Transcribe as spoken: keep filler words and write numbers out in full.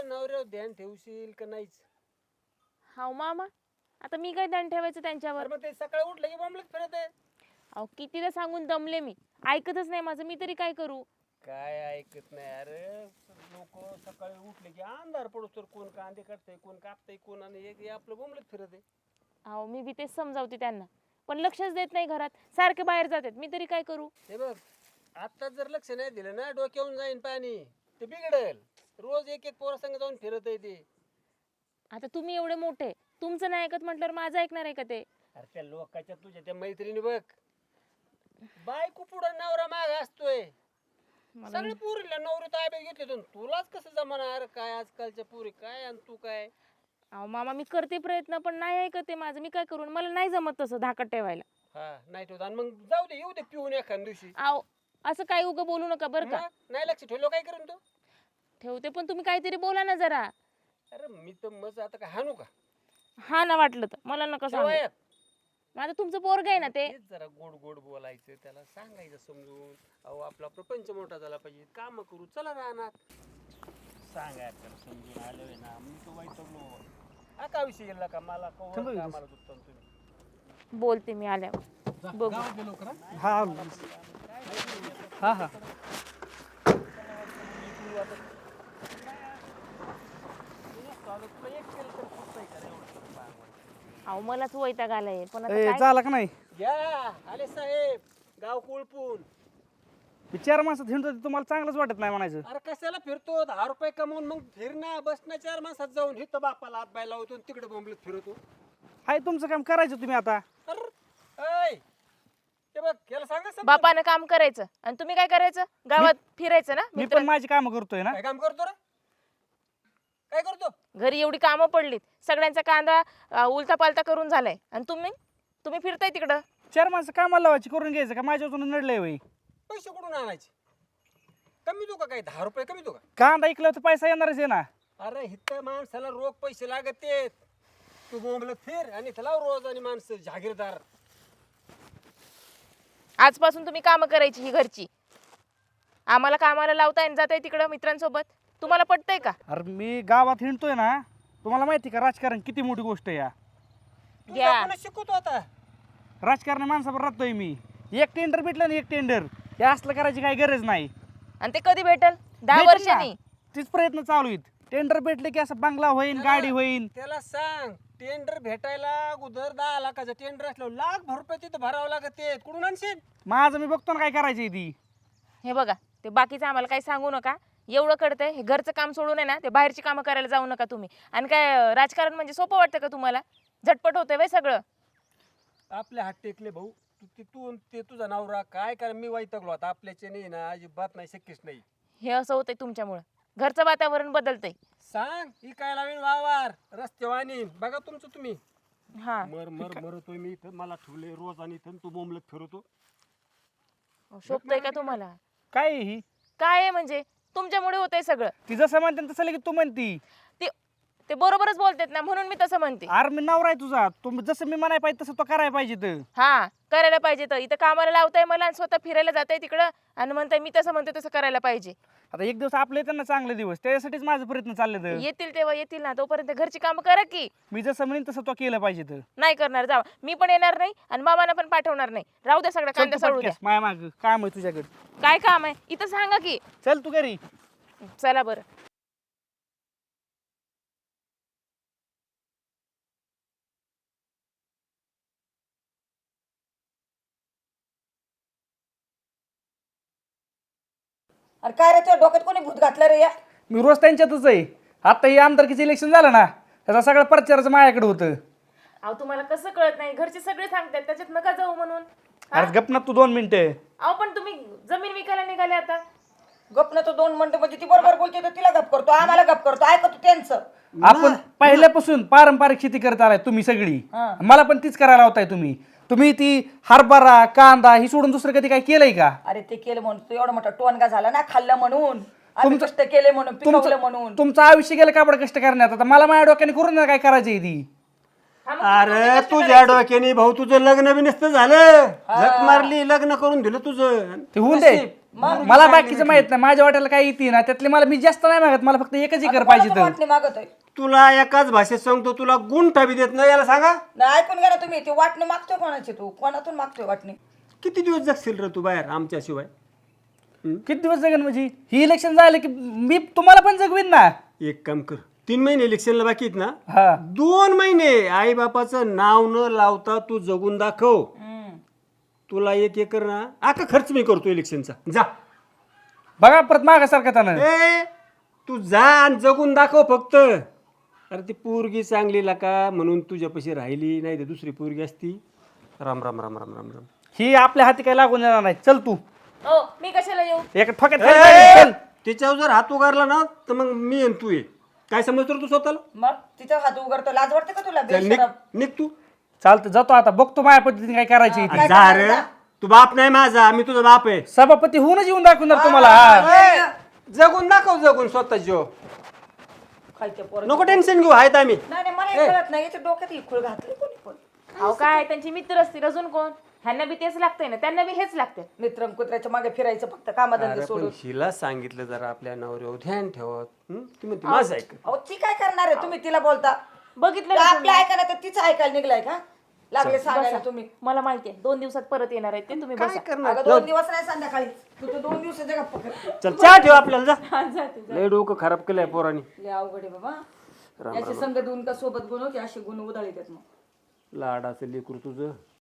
नवऱ्यावर ध्यान ठेवशील का नाहीच? हाव मामा, आता मी काय ध्यान ठेवायचं त्यांच्यावर? अरे मग ते सकाळी उठलं की बोंबलत फिरत आहे. अहो कितीदा सांगून दमले मी, ऐकतच नाही माझं, मी तरी काय करू? काय ऐकत नाही अरे. लोक सकाळी उठले की अंधार पडतो तर कोण कांदे काढतंय, कोण कापतंय, कोण आणि एक आपलं बोंबलत फिरत आहे. अहो मी बी तेच समजावते त्यांना, पण लक्षच देत नाही घरात, सारखे बाहेर जातात, मी तरी काय करू? हे बघ, आता जर लक्ष नाही दिलं ना डोक्यावरून जाईन पाणी, ते बिघडेल. रोज एक एक पोरासंग जाऊन फिरत आहे ते. आता तुम्ही एवढे मोठे, तुमचं नाही ऐकत म्हटल्यावर माझं ऐकणार आहे का ते? अरे त्या लोकांच्या तुझ्या त्या मैत्रिणी बघ, बायको पुढं नवरा माग असतोय. सगळे पुरीला नवरी ताब्यात घेतले तर तुलाच कसं जमाना? काय आजकालच्या पुरी काय आणि तू काय? अहो मामा मी करते प्रयत्न, पण नाही ऐकत ते माझं, मी काय करू? मला नाही जमत तसं धाकट ठेवायला. हा नाही ठेवत आणि मग जाऊ दे, येऊ दे पिऊन एखाद दिवशी. अहो असं काही उगं बोलू नका बरं का. मग नाही लक्ष ठेवलं काय करून तू? ठेवते, पण तुम्ही काहीतरी बोला ना जरा. अरे मी तर मज आता काय हाणू का? हा ना वाटलं तर मला नका सांगू. शेवयात. माझं तुमचं पोरग आहे ना ते. तेच जरा गोड गोड बोलायचं, त्याला सांगायचं समजून. अहो आपला प्रपंच मोठा झाला पाहिजे, काम करू चला राहणार. सांगाय त्याला समजून आलोय ना, मी तो वैतगलो. हा का विषय गेला का मला कवर कामाला दुखतो तुम्ही. बोलते मी आल्यावर बघू. हा हा हा अहो मलाच वैताग आलाय, पण आता ए, काय? झाला का नाही? या आले साहेब, गाव कोळपून. चार माणसात हिंडतो ते तुम्हाला चांगलंच वाटत नाही म्हणायचं. अरे कशाला फिरतो? दहा रुपये कमवून मग फिरणं बसणं चार माणसात जाऊन हिथं बापाला हात बाय लावतो आणि तिकडे बोंबलत फिरतो. हाय तुमचं काम करायचं तुम्ही आता. अरे ऐ, ते बघ याला सांगा समजून. बापानं काम करायचं आणि तुम्ही काय करायचं? गावात फिरायचं ना मी मित्र. पण माझी कामं करतोय ना. काय काम करतो रे? काय करतो? घरी एवढी कामं पडलीत, सगळ्यांचा कांदा उलता पालता करून झालाय, आणि तुम्ही तुम्ही फिरताय तिकडं. चार माणसं कामाला लावायची, करून घ्यायचं का? माझ्या अजून नडलंय वय. पैसे कुठून आणायचे? कमी देऊ का? काय दहा रुपये कमी देऊ का? कांदा ऐकलं तर पैसा येणारच आहे ना. अरे हिथं माणसाला रोख पैसे लागत आहेत. तू बोंबलत फिर आणि इथं लाव रोज आणि माणसं जागीरदार. आजपासून तुम्ही कामं करायची ही घरची. आम्हाला कामाला लावताय आणि जाताय तिकडं मित्रांसोबत. तुम्हाला पटतंय का? अरे मी गावात हिंडतोय ना, तुम्हाला माहिती का राजकारण किती मोठी गोष्ट आहे या. तू घ्या. कोणाला शिकवतो आता? राजकारण माणसावर राहतोय मी. एक टेंडर भेटलं ना, एक टेंडर, हे असलं करायची काही गरज नाही. आणि ते कधी भेटल? दहा भेटेल ना. वर्षांनी. तीच प्रयत्न चालू आहेत. टेंडर भेटले की असं बंगला होईन, गाडी होईन. त्याला सांग टेंडर भेटायला अगोदर दहा लाखाचं टेंडर असलं लाख भर रुपये तिथं भरावं लागत. कुठून आणशील? माझं मी बघतो ना काय करायची ती. हे बघा, ते बाकीचं आम्हाला काही सांगू नका. एवढं कळतंय, हे घरचं काम सोडून आहे ना, ते बाहेरची कामं करायला जाऊ नका तुम्ही. आणि काय राजकारण म्हणजे सोपं वाटतं का तुम्हाला? झटपट होतंय वय सगळं. आपले हात टेकले भाऊ. तू ते तू ते तुझा नवरा काय कर, मी वैतागलो आता. आपल्याचे नाही ना, अजिबात नाही, शक्यच नाही. हे असं होतंय तुमच्यामुळं. घरचं वातावरण बदलतंय. सांग ही काय लावीन वावर रस्ते वाणीन बघा तुमचं तुम्ही. हा मर मर मरतोय मी इथं, मला ठेवले रोज आणि इथं तू बोंबलत फिरतो. शोभतंय का तुम्हाला? काय आहे ही? काय आहे म्हणजे? तुमच्यामुळे होतंय सगळं. ती जसं म्हणते ना तसं लगेच तू म्हणती. ते ते बरोबरच बोलतात ना, म्हणून मी तसं म्हणते. अरे मी नवरा आहे तुझा, तू जसं मी म्हणाय पाहिजे तसं तो करायला पाहिजे तर. हा करायला पाहिजे. तर इथं कामाला लावताय मला आणि स्वतः फिरायला जाताय तिकडं, आणि म्हणताय मी तसं म्हणते तसं करायला पाहिजे. आता एक दिवस आपले येतात ना चांगले दिवस, त्याच्यासाठीच माझे प्रयत्न चालले तर. येतील तेव्हा येतील ना, तोपर्यंत घरची कामं करा की. मी जसं म्हणेन तसं तो केलं पाहिजे तर. नाही करणार, जावा. मी पण येणार नाही आणि मामाला पण पाठवणार नाही. राहू द्या सगळं, कांदा सोडू द्या. माया माग काम आहे तुझ्याकडे. काय काम आहे इथं सांगा की. चल तू घरी. चला बरं. अरे काय रे, तुझ्या डोक्यात कोणी भूत घातलं रे या? मी रोज त्यांच्यातच आहे. आता हे आमदारकीचं इलेक्शन झालं ना, त्याचा सगळं प्रचाराचं माझ्याकडे होतं. अहो तुम्हाला कसं कळत नाही? घरचे सगळे सांगतात त्याच्यात नका जाऊ म्हणून. अरे गप ना तू दोन मिनिटं. अहो पण तुम्ही जमीन विकायला निघाले आता. गप ना तो दोन म्हणतो म्हणजे ती बरोबर बोलते तर तिला गप करतो, आम्हाला गप करतो, ऐकतो त्यांचं. आपण पहिल्यापासून पारंपरिक शेती करत आलाय तुम्ही सगळी. मला पण तीच करायला होताय तुम्ही. तुम्ही ती हरभरा कांदा ही सोडून दुसरं कधी काय केलंय का? अरे ते केलं म्हणून तू एवढा मोठा टोनगा झाला ना, खाल्लं म्हणून, आम्ही कष्ट केले म्हणून, पिकवलं म्हणून. तुमचं आयुष्य गेलं कापड कष्ट करण्यात. आता मला माझ्या डोक्याने करून ना काय करायची ती. अरे तुझ्या डोक्याने भाऊ तुझं लग्न बी नसतं झालं. झक मारली, लग्न करून दिलं तुझं. ते होऊन दे. मला बाकीचं माहित नाही, माझ्या वाट्याला काय येते ना त्यातले मला मी जास्त नाही मागत, मला फक्त एकच एकर पाहिजे तर. वाटणी मागतोय तुला एकाच भाषेत सांगतो, तुला गुंठा बी देत नाही, याला सांगा. नाही ऐकून घ्या ना तुम्ही, ती वाटणी मागतोय कोणाची, तू कोणातून मागतोय वाटणी? किती दिवस जगशील रे तू बाहेर आमच्याशिवाय? किती दिवस जगन म्हणजे? ही इलेक्शन झालं की मी तुम्हाला पण जगवीन ना. एक काम कर, तीन महिने इलेक्शनला बाकी आहेत ना, हा दोन महिने आई बापाचं नाव न लावता तू जगून दाखव. तुला एक एकर ना आका खर्च मी करतो इलेक्शनचा. जा बघा परत मागासारखं त्यानं. ए तू जा आणि जगून दाखव फक्त. अरे ती पोरगी चांगली का म्हणून तुझ्यापाशी राहिली, नाही तर दुसरी पोरगी असती. राम राम राम राम राम राम. ही आपल्या हाती काय लागून येणार नाही. चल तू हो मी कशाला येऊ? एक ठोक्यात ए, खाली पाहिजे, चल. तिच्यावर जर हात उगारला ना तर मग मी आणि तू ये. काय समजतो रे तू स्वतःला? मग तिचा हात उघडतो, लाज वाटते का तुला? चल, निघ बेशरम. निघ तू. चालतं जातो आता, बघतो माझ्या पद्धतीने काय करायची ती. जा रे, तू बाप नाही माझा, मी तुझा बाप आहे. सभापती होऊनच येऊन दाखवणार तुम्हाला. हा. ए, जगून दाखव, जगून स्वतः जीव. खायच्या पोरं. नको टेन्शन घेऊ, आहेत आम्ही. नाही नाही मला हे कळत नाही, याच्या डोक्यात ही खूळ घातली कोणी पण. अहो काय त्यांची मित्र असतील, अजून कोण? ह्यांना बी तेच लागतंय ना, त्यांना बी हेच लागतंय. मित्रम कुत्र्याच्या मागे फिरायचं फक्त कामाधंदे अरे सोडून. पण हिला सांगितलं जरा आपल्या नवऱ्यावर ध्यान ठेवत. हं? ती म्हणते माझं ऐक. अहो ती काय करणार आहे? तुम्ही तिला बोलता बघितलं तर ना आपलं ऐका ना, तर तिचं ऐकायला निघलाय का? लागले सांगायला तुम्ही. मला माहितीये दोन दिवसात परत येणार आहेत ते, तुम्ही काय बसा. करणार? अगं दोन दिवस नाही संध्याकाळी, तू तर दोन दिवसाच्या गप्पा करते. चल चहा ठेव आपल्याला, जा. हा, जाते, जाते. लय डोकं खराब केलंय पोरांनी. लय अवघड आहे बाबा. याचे संघ देऊन का सोबत गुण होते, असे गुण उधळी देत मग. लाडाचं लेकरू तुझं